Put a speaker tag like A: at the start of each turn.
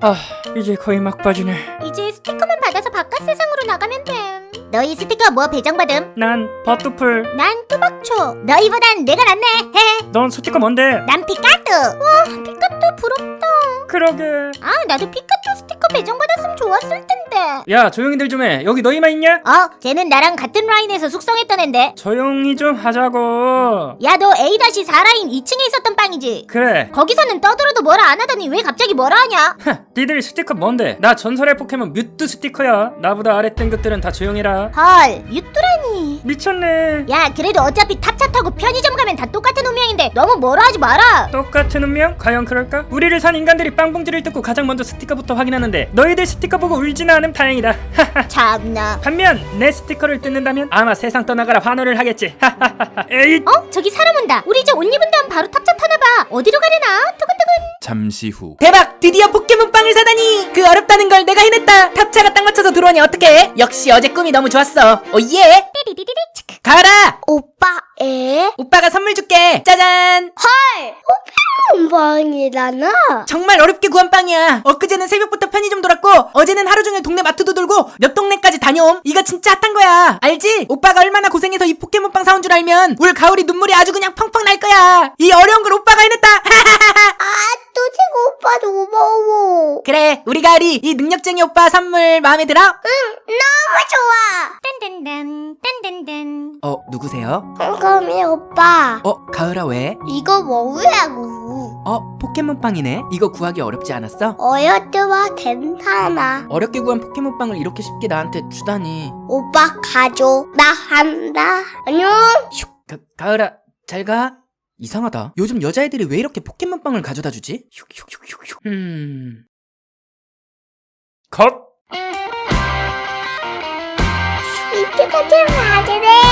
A: 이제 거의 막바지네.
B: 이제 스티커만 받아서 바깥 세상으로 나가면 됨. 너희 스티커 뭐 배정받음?
A: 난 버뚜풀.
B: 난 뚜박초. 너희보단 내가 낫네. 헤헤.
A: 넌 스티커 뭔데?
B: 난 피카뚜. 와, 피카뚜 부럽다.
A: 그러게.
B: 아, 나도 피카뚜 스티커 배정받았으면 좋았을 텐데.
A: 야, 조용히들 좀 해. 여기 너희만 있냐?
B: 쟤는 나랑 같은 라인에서 숙성했던 앤데.
A: 조용히 좀 하자고.
B: 야, 너 A-4라인 2층에 있었던 빵이지?
A: 그래.
B: 거기서는 떠들어도 뭐라 안 하더니 왜 갑자기 뭐라 하냐?
A: 니들 스티커 뭔데? 나 전설의 포켓몬 뮤트 스티커야. 나보다 아래 등급들은 다 조용히라.
B: 헐, 뮤뚜라니.
A: 미쳤네.
B: 야, 그래도 어차피 탑차 타고 편의점 가면 다 똑같은 운명인데 너무 뭐라 하지 마라.
A: 똑같은 운명? 과연 그럴까? 우리를 산 인간들이 빵봉지를 뜯고 가장 먼저 스티커부터 확인하는데 너희들 스티커 보고 울지는 않으면 다행이다.
B: 참나.
A: 반면 내 스티커를 뜯는다면 아마 세상 떠나가라 환호를 하겠지. 에잇.
B: 저기 사람 온다. 우리 이제 옷 입은 다음 바로 탑차 타나봐. 어디로 가려나? 두근두근.
C: 잠시 후.
D: 대박! 드디어 포켓몬빵을 사다니! 그 어렵다는 걸 내가 해냈다! 탑차가 딱 맞춰서 들어오니 어떡해? 역시 어제 꿈이 너무 좋았어. 오예!
B: 띠리리리리 치크.
D: 가을아!
B: 오빠 에?
D: 오빠가 선물 줄게! 짜잔!
B: 빵이라나?
D: 정말 어렵게 구한 빵이야. 엊그제는 새벽부터 편의점 돌았고 어제는 하루 종일 동네 마트도 돌고 몇 동네까지 다녀옴. 이거 진짜 핫한 거야. 알지? 오빠가 얼마나 고생해서 이 포켓몬빵 사온 줄 알면 올 가을이 눈물이 아주 그냥 펑펑 날 거야. 이 어려운 걸 오빠가 해냈다.
B: 또 제가 오빠도 고마워.
D: 그래, 우리 가을이 이 능력쟁이 오빠 선물 마음에 들어?
B: 너무 좋아. 딴딴딴 딴딴딴.
D: 누구세요?
B: 꼼꼼이 오빠.
D: 가을아 왜?
B: 이거 먹으라고.
D: 포켓몬빵이네. 이거 구하기 어렵지 않았어?
B: 어여드와 괜찮아.
D: 어렵게 구한 포켓몬빵을 이렇게 쉽게 나한테 주다니.
B: 오빠 가져. 나 한다. 안녕.
D: 가을아, 잘 가. 이상하다. 요즘 여자애들이 왜 이렇게 포켓몬빵을 가져다 주지? 슉슉슉슉슉.
A: 컷.
B: 이렇게 같이 가지래.